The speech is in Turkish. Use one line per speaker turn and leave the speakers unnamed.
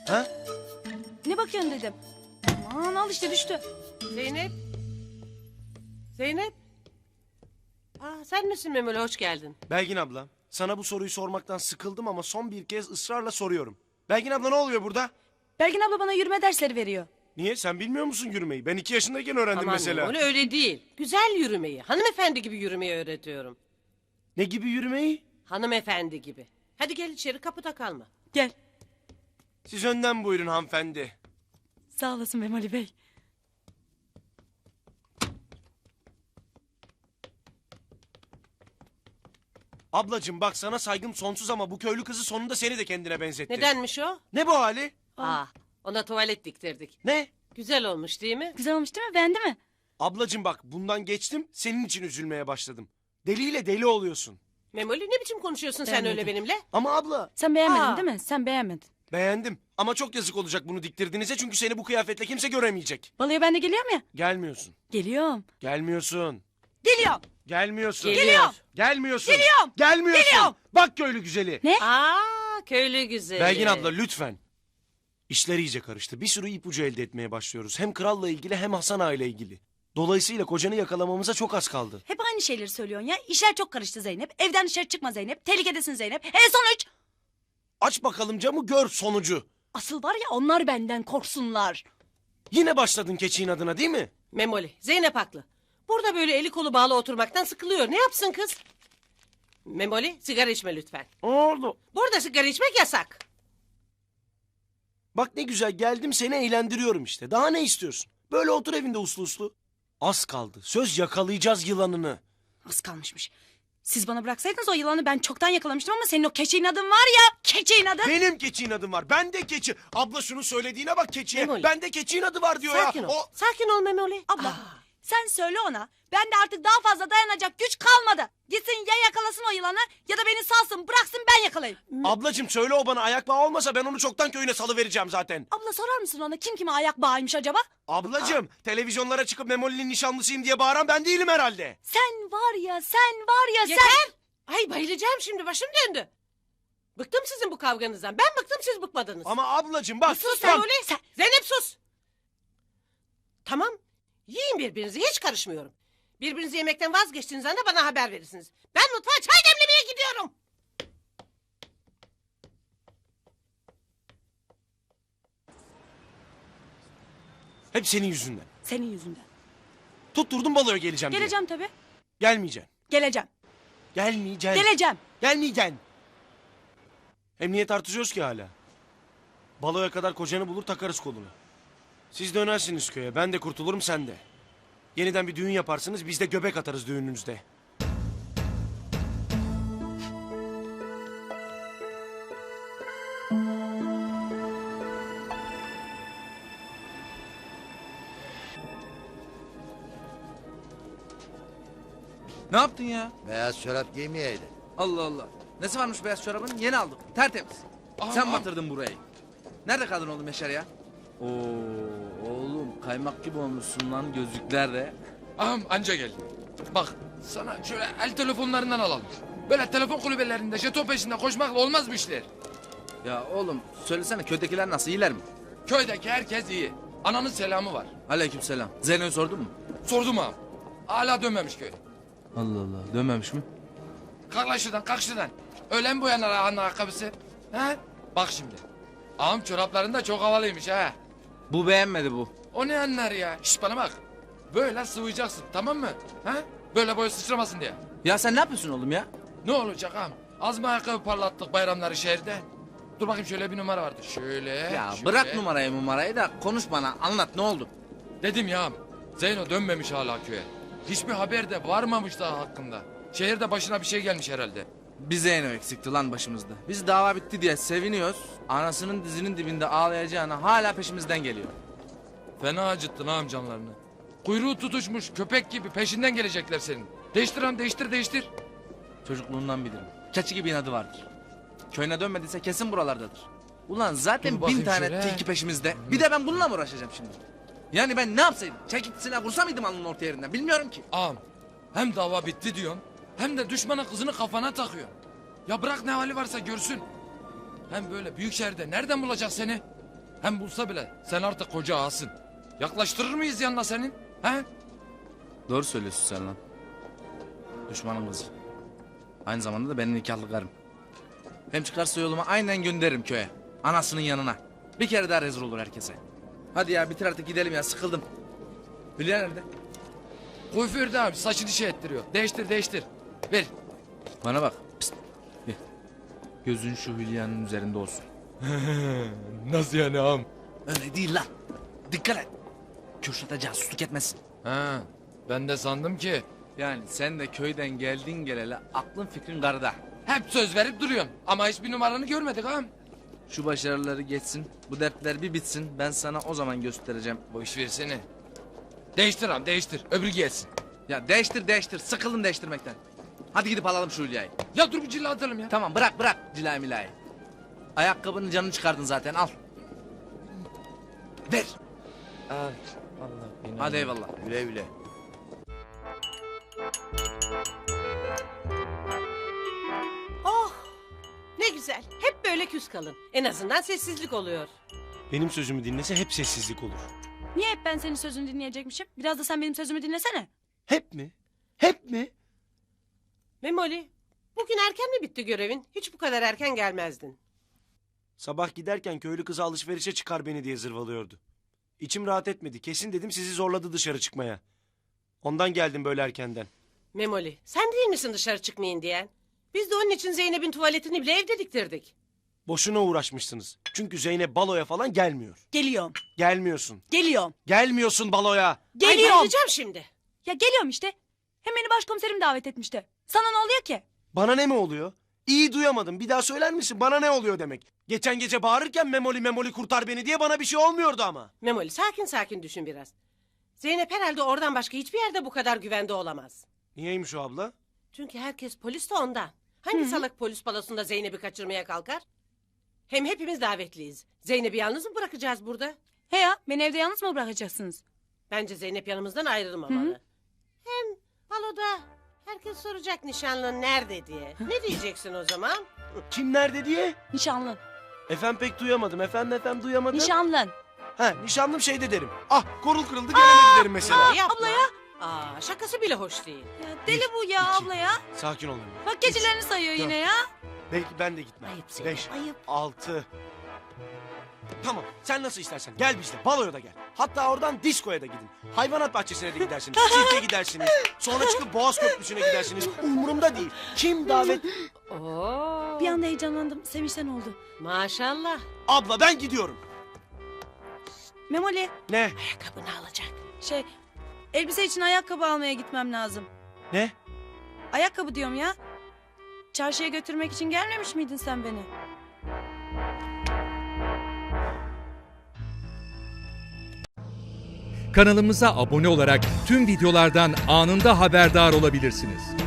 Ha?
Ne bakıyorsun dedim. Aman al işte düştü.
Zeynep. Zeynep. Sen misin Memoli, hoş geldin.
Belgin abla, sana bu soruyu sormaktan sıkıldım ama son bir kez ısrarla soruyorum. Belgin abla ne oluyor burada?
Belgin abla bana yürüme dersleri veriyor.
Niye? Sen bilmiyor musun yürümeyi? Ben 2 yaşındayken öğrendim
Aman
mesela.
Memoli, öyle değil. Güzel yürümeyi, hanımefendi gibi yürümeyi öğretiyorum.
Ne gibi yürümeyi?
Hanımefendi gibi. Hadi gel içeri, kapıda kalma.
Gel.
Siz önden buyurun hanımefendi.
Sağ olasın Memoli Bey.
Ablacığım bak sana saygım sonsuz ama bu köylü kızı sonunda seni de kendine benzetti.
Nedenmiş o?
Ne bu hali?
Ona tuvalet diktirdik.
Ne?
Güzel olmuş değil mi?
Güzel olmuş değil mi? Beğendi mi?
Ablacığım bak bundan geçtim senin için üzülmeye başladım. Deliyle deli oluyorsun.
Memoli, ne biçim konuşuyorsun sen
Beğenmedim.
öyle benimle?
Ama abla
Sen beğenmedin
Aa.
değil mi? Sen beğenmedin.
beğendim ama çok yazık olacak bunu diktirdiğinize çünkü seni bu kıyafetle kimse göremeyecek.
Balıya ben de geliyorum ya.
Gelmiyorsun.
Geliyorum.
Gelmiyorsun.
Geliyorum.
Gelmiyorsun.
Geliyorum.
Gelmiyorsun.
Geliyorum.
Gelmiyorsun.
Geliyorum.
Bak köylü güzeli.
Ne?
Köylü güzeli.
Belgin abla lütfen. İşler iyice karıştı. Bir sürü ipucu elde etmeye başlıyoruz. Hem kralla ilgili hem Hasan Ağa ile ilgili. Dolayısıyla kocanı yakalamamıza çok az kaldı.
Hep aynı şeyleri söylüyorsun ya. İşler çok karıştı Zeynep. Evden dışarı çıkma Zeynep. Tehlikedesin Zeynep. Sonuç.
Aç bakalım camı gör sonucu.
Asıl var ya onlar benden korksunlar.
Yine başladın keçiğin adına değil mi?
Memoli, Zeynep haklı. Burada böyle eli kolu bağlı oturmaktan sıkılıyor. Ne yapsın kız? Memoli, sigara içme lütfen.
Oldu.
Burada sigara içmek yasak.
Bak ne güzel geldim seni eğlendiriyorum işte. Daha ne istiyorsun? Böyle otur evinde uslu uslu. Az kaldı. Söz yakalayacağız yılanını.
Az kalmışmış. Siz bana bıraksaydınız o yılanı ben çoktan yakalamıştım ama senin o keçiğin adın var ya. Keçiğin adın.
Benim keçiğin adım var. Ben de keçi. Abla şunu söylediğine bak keçiye.
Memoli.
Ben de keçiğin adı var diyor
Sakin
ya.
ol. Sakin ol Memoli.
Abla sen söyle ona. Ben de artık daha fazla dayanacak güç kalmadı. Gitsin ya yakalasın o yılanı ya da beni salsın bıraksın ben yakalayayım.
Ablacığım söyle o bana ayak bağı olmasa ben onu çoktan köyüne salıvereceğim zaten.
Abla sorar mısın ona kim kime ayak bağıymış acaba?
Ablacığım televizyonlara çıkıp Memoli'nin nişanlısıyım diye bağıran ben değilim herhalde.
Sen var ya sen.
Yeter. Ay bayılacağım şimdi, başım döndü. Bıktım sizin bu kavganızdan. Ben bıktım, siz bıkmadınız.
Ama ablacığım bak.
Sus
bak.
Memoli. Zeynep sus. Tamam. Yiyin birbirinizi, hiç karışmıyorum. Birbirinizi yemekten vazgeçtiğiniz anda bana haber verirsiniz. Ben mutfağa çay demlemeye gidiyorum.
Hep senin yüzünden.
Senin yüzünden.
Tutturdun baloya geleceğim diye.
Geleceğim tabii.
Gelmeyeceksin.
Geleceğim.
Gelmeyeceksin.
Geleceğim.
Gelmeyeceksin. Hem niye tartışıyoruz ki hala? Baloya kadar kocanı bulur takarız kolunu. Siz dönersiniz köye. Ben de kurtulurum sen de. Yeniden bir düğün yaparsınız biz de göbek atarız düğününüzde.
Ne yaptın ya?
Beyaz çorap giymeyeydin.
Allah Allah. Nesi varmış beyaz çorabın? Yeni aldım. Tertemiz. Sen batırdın burayı. Nerede kaldın oğlum Yaşar ya? Oo oğlum kaymak gibi olmuşsun lan gözlükler de.
Ağam anca geldi. Bak sana şöyle el telefonlarından alalım. Böyle telefon kulübelerinde jeton peşinde koşmakla olmaz bu işler.
Ya oğlum söylesene köydekiler nasıl iyiler mi?
Köydeki herkes iyi. Ananın selamı var.
Aleykümselam. Zeyno'yu sordun mu?
Sordum ağam. Hala dönmemiş köy.
Allah Allah dönmemiş mi?
Kalk lan şuradan, kalk şuradan. Öyle mi boyanar ağanın ayakkabısı? He? Bak şimdi. Ağam çoraplarında çok havalıymış ha.
Bu beğenmedi bu.
O ne anlar ya? Şş bana bak. Böyle sıvayacaksın, tamam mı? Ha? Böyle boyu sıçramasın diye.
Ya sen ne yapıyorsun oğlum ya?
Ne olacak ağam? Az mı ayakkabı parlattık bayramları şehirde? Dur bakayım, şöyle bir numara vardı. Şöyle.
Ya
şöyle.
bırak numarayı da konuş bana anlat ne oldu?
Dedim ya ağam, Zeyno dönmemiş hala köye. Hiçbir haber de varmamış daha hakkında. Şehirde başına bir şey gelmiş herhalde.
Bir Zeyno eksikti lan başımızda. Biz dava bitti diye seviniyoruz. Anasının dizinin dibinde ağlayacağına hala peşimizden geliyor.
Fena acıttın ağam canlarını. Kuyruğu tutuşmuş köpek gibi peşinden gelecekler senin. Değiştir ağam, değiştir.
Çocukluğundan bilirim. Keçi gibi inadı vardır. Köyüne dönmediyse kesin buralardadır. Ulan zaten
Dur
1000
bakayım
tane
şöyle.
tilki peşimizde. Bir de ben bununla mı uğraşacağım şimdi? Yani ben ne yapsaydım? Çekip silah vursa mıydım alnının orta yerinden? Bilmiyorum ki.
Ağam, hem dava bitti diyorsun, hem de düşmanın kızını kafana takıyorsun. Ya bırak ne hali varsa görsün. Hem böyle büyük şehirde nereden bulacak seni? Hem bulsa bile sen artık koca ağasın. Yaklaştırır mıyız yanına senin? He?
Doğru söylüyorsun sen lan. Düşmanın kızı. Aynı zamanda da benim nikahlı karım. Hem çıkarsa yoluma aynen gönderirim köye. Anasının yanına. Bir kere daha rezil olur herkese. Hadi ya bitir artık gidelim ya sıkıldım. Hülya nerede?
Kuaförde abi saçını şey ettiriyor. Değiştir değiştir. Ver.
Bana bak. Pist. Bir. Gözün şu Hülya'nın üzerinde olsun.
Nasıl yani ağam?
Öyle değil lan. Dikkat et. Kürşat'a casusluk etmesin.
Ha, ben de sandım ki
Yani sen de köyden geldin geleli aklın fikrin karıda.
hep söz verip duruyorsun. Ama hiçbir numaranı görmedik ağam.
Şu başarıları geçsin, bu dertler bir bitsin. Ben sana o zaman göstereceğim.
Boş versene. Değiştir ağam değiştir. Öbürü gelsin.
Ya değiştir değiştir, sıkıldım değiştirmekten. Hadi gidip alalım şu Hülya'yı.
Ya dur bir cilla atalım ya.
Tamam bırak cilayı milayı. Ayakkabının canını çıkardın zaten al. Ver.
Allah Allah.
Hadi eyvallah.
Güle güle.
Oh ne güzel. Hep böyle küs kalın. En azından sessizlik oluyor.
Benim sözümü dinlese hep sessizlik olur.
Niye hep ben senin sözünü dinleyecekmişim? Biraz da sen benim sözümü dinlesene.
Hep mi? Hep mi?
Memoli bugün erken mi bitti görevin? Hiç bu kadar erken gelmezdin.
Sabah giderken köylü kızı alışverişe çıkar beni diye zırvalıyordu. İçim rahat etmedi. Kesin dedim sizi zorladı dışarı çıkmaya. Ondan geldim böyle erkenden.
Memoli sen değil misin dışarı çıkmayın diyen? Biz de onun için Zeynep'in tuvaletini bile evde diktirdik.
Boşuna uğraşmışsınız. Çünkü Zeynep baloya falan gelmiyor.
Geliyorum.
Gelmiyorsun.
Geliyorum.
Gelmiyorsun baloya.
Ay
Geliyorum.
bayılacağım şimdi.
Ya geliyorum işte. Hem beni başkomiserim davet etmişti. Sana ne oluyor ki?
Bana ne mi oluyor? İyi duyamadım. Bir daha söyler misin? Bana ne oluyor demek? Geçen gece bağırırken memoli memoli kurtar beni diye bana bir şey olmuyordu ama.
Memoli sakin sakin düşün biraz. Zeynep herhalde oradan başka hiçbir yerde bu kadar güvende olamaz.
Niyeymiş o abla?
Çünkü herkes polis de ondan. Hangi salak polis balosunda Zeynep'i kaçırmaya kalkar? Hem hepimiz davetliyiz. Zeynep'i yalnız mı bırakacağız burada?
He ya beni evde yalnız mı bırakacaksınız?
Bence Zeynep yanımızdan ayrılmamalı. Hem baloda herkes soracak nişanlın nerede diye. Ne diyeceksin o zaman?
Kim nerede diye?
Nişanlın.
Efendim pek duyamadım. Efendim duyamadım.
Nişanlın.
Ha nişanlım şeyde derim. Ah korul kırıldı gelemedi derim mesela.
Yapma.
abla ya.
Aa, şakası bile hoş değil.
Ya deli bu ya
iki.
abla ya.
Sakin olun.
Bak gecelerini sayıyor
Dört.
yine ya.
Belki ben de gitmem.
Ayıp Zeynep,
5,
ayıp.
6. Tamam sen nasıl istersen gel bizle baloya da gel. Hatta oradan diskoya da gidin. Hayvanat bahçesine de gidersiniz. Sirke gidersiniz. Sonra çıkıp Boğaz Köprüsü'ne gidersiniz. Umurumda değil. Kim davet...
Oo.
Bir anda heyecanlandım. Sevinçten oldu.
Maşallah.
Abla ben gidiyorum.
Memoli
Ne?
Ayakkabını alacak.
elbise için ayakkabı almaya gitmem lazım.
Ne?
Ayakkabı diyorum ya. Çarşıya götürmek için gelmemiş miydin sen beni?
Kanalımıza abone olarak tüm videolardan anında haberdar olabilirsiniz.